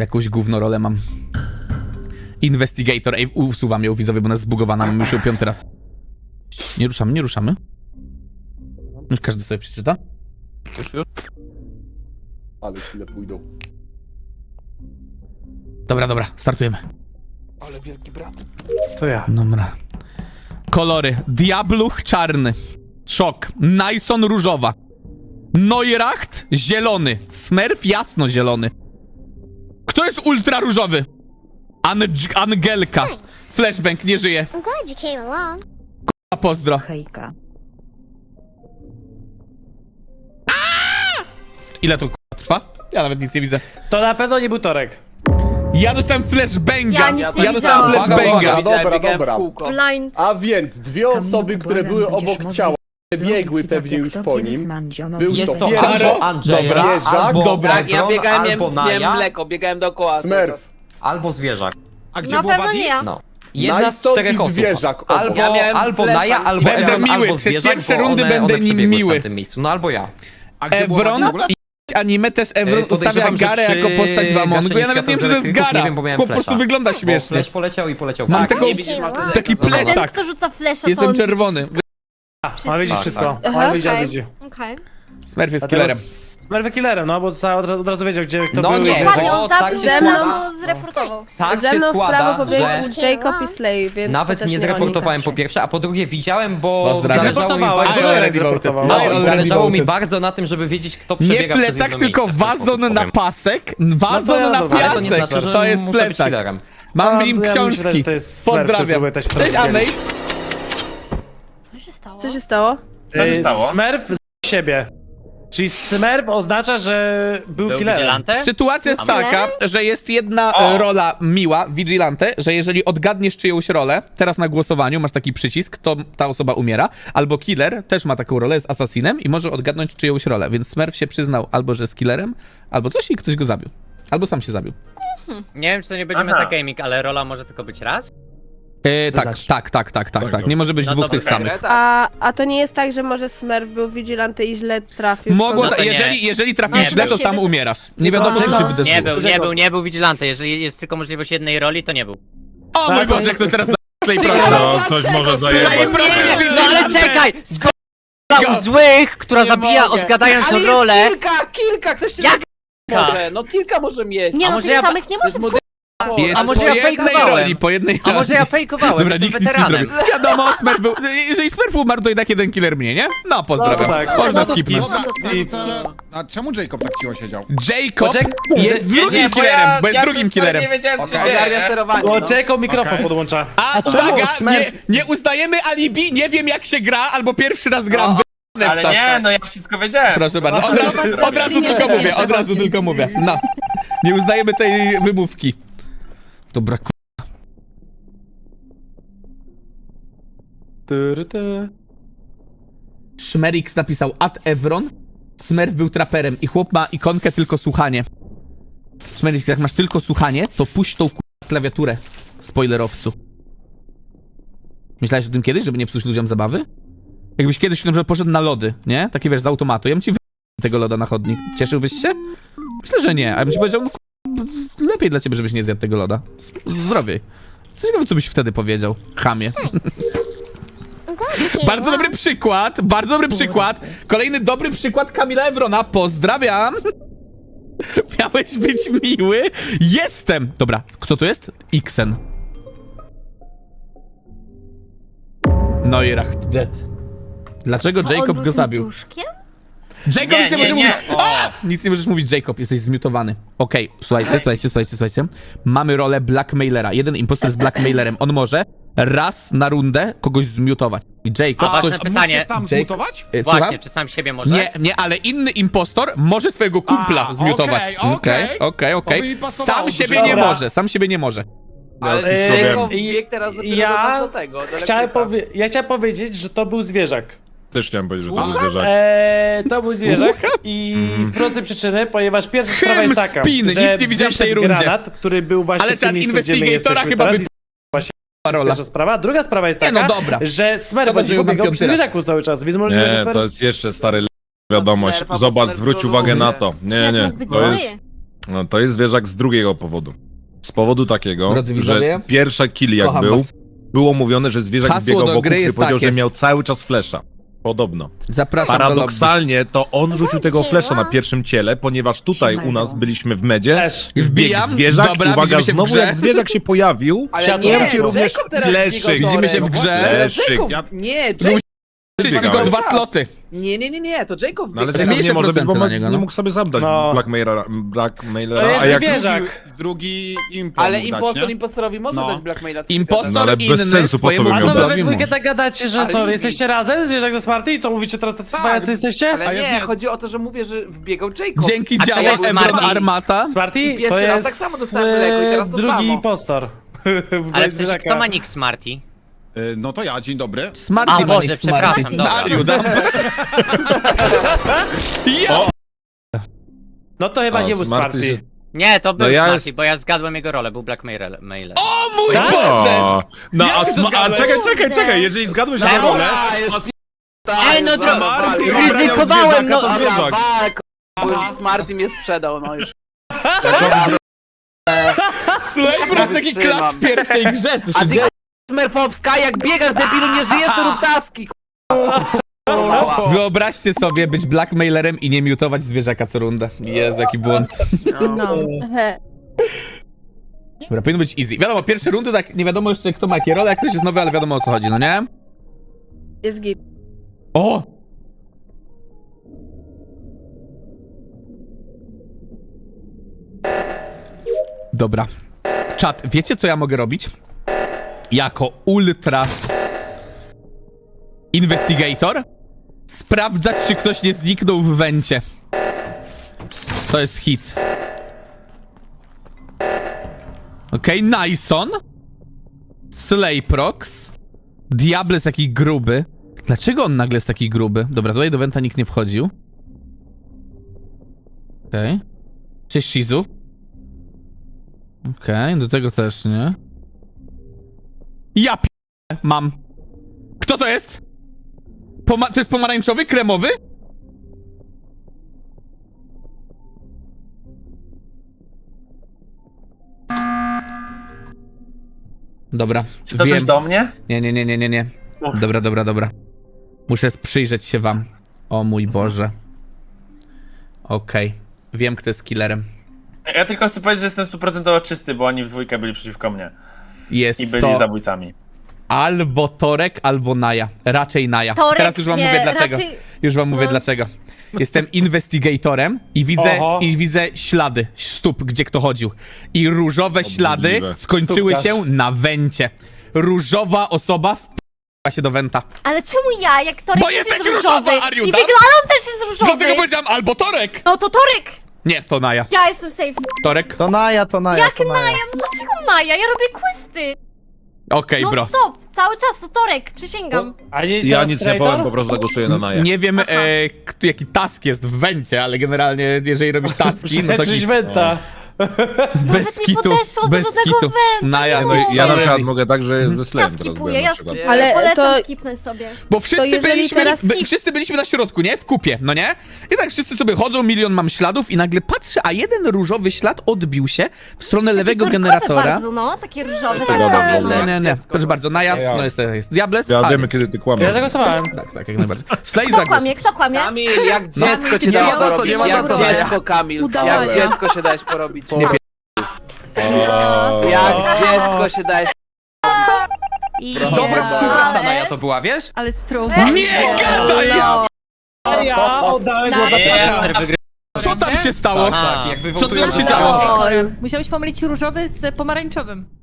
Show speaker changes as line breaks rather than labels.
Jakąś gówno rolę mam. Investigator. Ej, usuwam ją, widzowie, bo ona jest zbugowana. Mam już ją 5. raz. Nie ruszamy, nie ruszamy. Już każdy sobie przeczyta.
Ale chwilę pójdą.
Dobra, startujemy.
Ale wielki brat.
To ja.
Dobra. Kolory. Diabluch czarny. Szok. Nyson różowa. Neuracht zielony. Smurf jasno-zielony. Kto jest ultra różowy? Angelka. Flashbang nie żyje.
I'm glad you came along.
A pozdro.
Hejka.
Ile to trwa? Ja nawet nic nie widzę.
To na pewno nie był Torek.
Ja dostałem flashbanga.
Ja nic nie
Ja dostałem
widziałam.
flashbanga.
Dobra.
Blind.
A więc dwie osoby, które były obok ciała, biegły pewnie już po nim. Był
Jest
to
to
pierwszy
albo Andrzeja,
zwierzak,
albo
dobra.
Tak, ja biegałem,
albo
miałem
Naja,
mleko, biegałem dookoła.
Smurf,
albo zwierzak.
A gdzie
Na
było
pewno
Buddy?
nie ja.
No. Jedna z
Nyson
4
i
osób.
zwierzak obok.
Albo,
Ja miałem
albo
flasha.
Naja, albo
Będę
Evron,
miły.
albo
Przez
zwierzak,
pierwsze
bo
rundy
one
będę
przebiegły
miły.
w tamtym miejscu. No albo ja.
A gdzie było
Evron
Buddy w ogóle?
i anime też Evron ustawia
Podejrzewam, że
Garę
przy
jako postać w Amongu. Ja nawet nie wiem, czy to jest
gaszeniu świateł z
Gara.
elektryków nie wiem, bo miałem
Chłop po prostu
flasha.
wygląda
Bo
śmiesznie.
flash poleciał i poleciał.
Mam
tak.
taką-
Nie widzisz, masz
Taki
Ten,
plecak.
kto rzuca flesza, to
Jestem
on
czerwony.
widzi
On widzi
Tak,
wszystko.
tak.
On widzi,
Okej.
widzi.
Okej.
Smurf jest
A teraz
killerem.
Smurf killerem, no bo od razu wiedział, gdzie kto
No
był.
nie,
i
Dokładnie,
bo
on
tak
zabił
się
ze
składa.
mną, zreportował.
Tak
Ze
się
mną w prawo
składa,
pobiegł
że
Jacob i Slay, więc
nawet
to też
nie
nie
zreportowałem
oni.
po pierwsze, a po drugie widziałem, bo
Pozdrawiam.
zależało mi
Zreportowałeś,
bardzo,
bo
I
Torek
already voted.
zreportował.
I already
zależało mi
voted.
bardzo na tym, żeby wiedzieć, kto
Nie
przebiega przez
plecak,
jedno
tylko
miejsce, w ten
wazon
sposób
na
powiem.
pasek. Wazon
ja
na
dobra.
Ale to nie
piasek.
znaczy, że
To jest
muszę być
plecak.
killerem.
Mam w
A,
nim
ja myślę, że
książki.
to jest Smurf,
Pozdrawiam.
który próbuje też
Cześć,
teraz
Anej.
Co się stało?
Co się stało?
Co się stało?
Smurf z siebie. Czyli Smurf oznacza, że był killerem.
Sytuacja jest
Okej.
taka, że jest jedna
O.
rola miła, Vigilante, że jeżeli odgadniesz czyjąś rolę, teraz na głosowaniu masz taki przycisk, to ta osoba umiera, albo killer też ma taką rolę, jest asasinem i może odgadnąć czyjąś rolę, więc Smurf się przyznał albo, że jest killerem, albo coś i ktoś go zabił. Albo sam się zabił.
Nie wiem, czy to nie będzie
Aha.
metagaming, ale rola może tylko być raz?
Tak. Nie może być
No
dwóch
to
tych
okej.
samych.
A to nie jest tak, że może Smurf był Vigilante i źle trafił?
Mogło,
No to nie.
jeżeli trafisz
Nie,
źle, to
nie.
sam umierasz. Nie wiadomo, co się wydarzyło.
Nie był Vigilante. Jeżeli jest tylko możliwość jednej roli, to nie był.
O mój
Tak,
Boże,
to-
ktoś teraz Slay
No, ktoś może zajebać.
No ale czekaj! Skoro u złych, która
Nie
zabija
mogę.
odgadając
Ale jest
rolę...
Kilka, ktoś cię
Jak?
może, no kilka może mieć.
Nie
A
no,
może
tych
ja-
samych nie może być.
Jest
A może
po
ja
jednej
fejkowałem?
roli, po jednej
A może ja fejkowałem,
Dobra,
jestem
nikt nic nie
weteranem.
zrobił. Wiadomo, Smurf był... Jeżeli Smurf umarł, to jednak jeden killer mnie, nie? No, pozdrawiam.
No to tak.
Można
No to
skipnąć.
Dobra, a czemu Jacob tak cicho siedział?
Jacob
Bo
jest drugim killerem, bo jest drugim killerem.
Nie wiedziałem, co się
Okej.
dzieje.
Ogarnia
sterowanie.
Bo
No.
Jacob mikrofon
Okej.
podłącza.
A uwaga, nie uznajemy alibi, nie wiem jak się gra, albo pierwszy raz gram. Wy***nę w
Ale
to.
nie, no ja wszystko wiedziałem.
Proszę bardzo, od razu tylko mówię, od razu tylko mówię. No, nie uznajemy tej wymówki. Dobra, Szmerix napisał Ad Evron, Smurf był traperem i chłop ma ikonkę tylko słuchanie. Szmerix, jak masz tylko słuchanie, to puść tą klawiaturę, spoilerowcu. Myślałeś o tym kiedyś, żeby nie psuć ludziom zabawy? Jakbyś kiedyś na przykład poszedł na lody, nie? Taki wiesz, z automatu, ja bym ci tego loda na chodnik. Cieszyłbyś się? Myślę, że nie, a ja bym ci powiedział, no lepiej dla ciebie, żebyś nie zjadł tego loda. Zdrowiej. Ciekawe, co byś wtedy powiedział, chamie.
I'm glad you came
Bardzo dobry
along.
przykład, bardzo dobry przykład. Kolejny dobry przykład Kamila Ewrona. Pozdrawiam. Miałeś być miły. Jestem. Dobra, kto to jest? Xen. Neuracht dead. Dlaczego Jacob go zabił? Jacob,
Nie,
nic nie
nie,
może
nie.
mówić. A! Nic nie możesz mówić, Jacob, jesteś zmiutowany. Okej, słuchajcie. Mamy rolę blackmailera. Jeden impostor jest blackmailerem. On może raz na rundę kogoś zmiutować. I Jacob...
A ważne
coś-
pytanie.
Musisz sam
Jake-
zmutować?
Słucham?
Właśnie, czy sam siebie może?
Nie, ale inny impostor może swojego kumpla
A,
zmiutować.
okej. To by mi pasowało
Sam siebie
dużo.
nie
Dobra.
może, sam siebie nie może.
Ale
wszystko
Jacob
wiem.
biegł teraz dopiero
Ja
do tego, do
chciałem
elektryka.
ja chciałem powiedzieć, że to był zwierzak.
Też chciałem powiedzieć, że
to był
zwierzak.
To był zwierzak i z prostej przyczyny, ponieważ pierwsza sprawa jest taka,
spiny,
że
nic nie widziałem w tej
wyszedł
rundzie.
granat, który był właśnie
Ale
w tym
czad
miejscu, gdzie my
investigatora
jesteśmy
chyba
teraz.
rola.
Pierwsza sprawa. Druga sprawa jest
Nie
taka,
no, dobra.
że Smurf
Szkoda, że ją mam
biegał przy
piąty raz.
zwierzaku cały czas, więc możliwe, że
Nie,
Smurf...
to jest jeszcze stary wiadomość.
Smurfa, bo
Zobacz,
Smurf
zwróć
troluje.
uwagę na to. Nie,
Smurf
nie,
mógł być
to
zły.
jest... No, to jest zwierzak z drugiego powodu. Z powodu takiego,
Drodzy
że
widzowie,
pierwsza kill jak
kocham
był,
was.
było mówione, że zwierzak
Hasło
biegał
do
wokół,
gry
który
jest
powiedział,
takie.
że miał cały czas flesza. Podobno.
Zapraszam do lobby.
Paradoksalnie to on rzucił tego flesza na pierwszym ciele, ponieważ tutaj u nas byliśmy w medzie,
Też.
wbiegł
Wbijam,
zwierzak
dobra,
i uwaga,
widzimy się w
znowu
grze.
jak zwierzak się pojawił,
Ale
Światło
nie,
pojawił się również
Jacob teraz
fleszyk.
biegał
Widzimy się w
torem.
grze.
Jacob,
Ja-
nie,
Był
Jacob,
Czyli
biegałem.
tylko 2 sloty.
nie, to Jacob
No ale
biegł.
tego
Zmniejszę
nie może być, bo
procenty na niego,
nie
no.
mógł sobie zabrać
No.
Blackmailera,
To jest
a jak...
zwierzak.
Drugi import
Ale
dać,
impostor
nie?
impostorowi może
No.
dać blackmaila.
Impostor
No, ale
inny
bez sensu, po co
swojemu
by
A
miał
to wy
dać?
we
kumplowi
dwójkę tak gadacie, że co,
Ale
jesteście razem? Zwierzak ze Smarty? I co, mówicie teraz tacy cwaniacy jesteście?
Ale
A ja
nie,
nie.
chodzi o to, że mówię, że wbiegał Jacob.
Dzięki
A kto
działom
jest
Ebron
Smarty?
Armata.
Smarty?
I pierwszy
To
raz
jest
tak samo dostałem mleko i teraz to
drugi
samo.
impostor.
Ale w sensie, kto ma nick Smarty?
No to ja, dzień dobry.
Smarty
A,
ma
Boże,
nick
przepraszam,
Smarty.
dobra.
Ariu, dam. Ja!
No to chyba
O,
nie był
Smarty
Smarty.
się-
Nie, to był
No ja
Smarty,
jest-
bo ja zgadłem jego rolę, był blackmailer.
O mój
Tak?
Boże!
No
Jak
a,
ty to
a
zgadłeś?
czekaj, jeżeli zgadłeś na
Czemu?
rolę,
Ej, no
Smarty
ryzykowałem, no.
to
Dobra,
zwierzak.
walk. Już Smarty mnie sprzedał, no już.
Słuchaj, po raz taki
Wytrzymam.
klacz w pierwszej grze, co
A
się
ty
dzieje?
Smurfowska, jak biegasz debilu, nie żyjesz, to rób taski.
Wyobraźcie sobie być blackmailerem i nie miutować zwierzaka co rundę. Jezu, jaki błąd.
No. He.
Dobra, powinno być easy. Wiadomo, pierwsze rundy tak nie wiadomo jeszcze kto ma jakie role, jak ktoś jest nowy, ale wiadomo o co chodzi, no nie?
Jest git.
O! Dobra. Czat, wiecie co ja mogę robić? Jako ultra investigator? Sprawdzać, czy ktoś nie zniknął w wencie. To jest hit. Okej, Nyson. Slayprox. Diable jest taki gruby. Dlaczego on nagle jest taki gruby? Dobra, tutaj do Wenta nikt nie wchodził. Okej. Cześć, Shizu. Okej, do tego też nie. Ja mam. Kto to jest? To jest pomarańczowy? Kremowy? Dobra,
Czy to też do mnie?
Nie. Dobra. Muszę przyjrzeć się wam. O mój Boże. Okej. Wiem, kto jest killerem.
Ja tylko chcę powiedzieć, że jestem 100% czysty, bo oni w dwójkę byli przeciwko mnie.
Jest
I byli
to
zabójcami.
albo Torek, albo Naja. Raczej Naja.
Torek,
Teraz już wam
nie,
mówię dlaczego.
raczej-
Już wam mówię
No.
dlaczego. Jestem investigatorem
Oho.
i widzę ślady stóp, gdzie kto chodził. I różowe ślady
Obrzydliwe.
skończyły
Stópkarz.
się na wencie. Różowa osoba wpa się do wenta.
Ale czemu ja, jak Torek
Bo
też
jesteś
jest
różowa,
różowy?
Ariu,
I
tak?
wygląda, on też jest różowy.
Dlatego powiedziałam albo Torek!
No to Torek!
Nie, to Naja.
Ja jestem safe.
Torek?
To Naja.
Jak Naja? No dlaczego Naja? Ja robię questy.
Okej,
No
bro.
stop, cały czas to Torek, przysięgam.
A nie jest
Ja
teraz
nic nie
traitor?
powiem, po prostu zagłosuję na Naję.
Nie wiem, jaki task jest w wencie, ale generalnie, jeżeli robisz taski, no to
Przeczyś
git.
Wenta.
Bez
nie
kitu,
podeszło do
bez
żadnego
kitu.
węta,
Naja,
nie
no
mogę.
Ja na przykład
easy.
mogę tak, że ze
Ja
Slem teraz
skipuję,
byłem na
ja
przykład.
skipuję.
Ale
Polecam
to-
skipnąć sobie.
Bo wszyscy
jeżeli
byliśmy,
teraz skip-
wszyscy byliśmy na środku, nie? W kupie, no nie? I tak wszyscy sobie chodzą, milion mam śladów i nagle patrzę, a jeden różowy ślad odbił się w stronę
Takie
lewego
torkowe
generatora.
bardzo, no, takie różowe.
To
tak,
gada
tak,
w
no.
ogóle.
Nie. Proszę bardzo, Naja,
Ja.
no jest Diables.
Ja
a,
wiemy, kiedy ty kłamiesz.
Ja zagłosowałem.
Tak, jak najbardziej. Slay
Kto
zagłos.
kłamie, kto kłamie?
Kamil, jak dziecko cię
nie
dałeś
ma za to,
porobić.
nie ma za
Jak
to.
dziecko, Kamil.
Udawaj.
Jak dziecko się dałeś porobić.
Nie pie-
Jak dziecko się dałeś.
Dobra,
Ale-
Naja to była, wiesz?
Ale strong.
Nie gadaj!
A ja oddałem go za
Jester
Torka.
wygrywa.
Co tam się stało?
Aha.
Jak wy
Co tu nam się
votujecie-
działo?
Musiałeś pomylić różowy z pomarańczowym.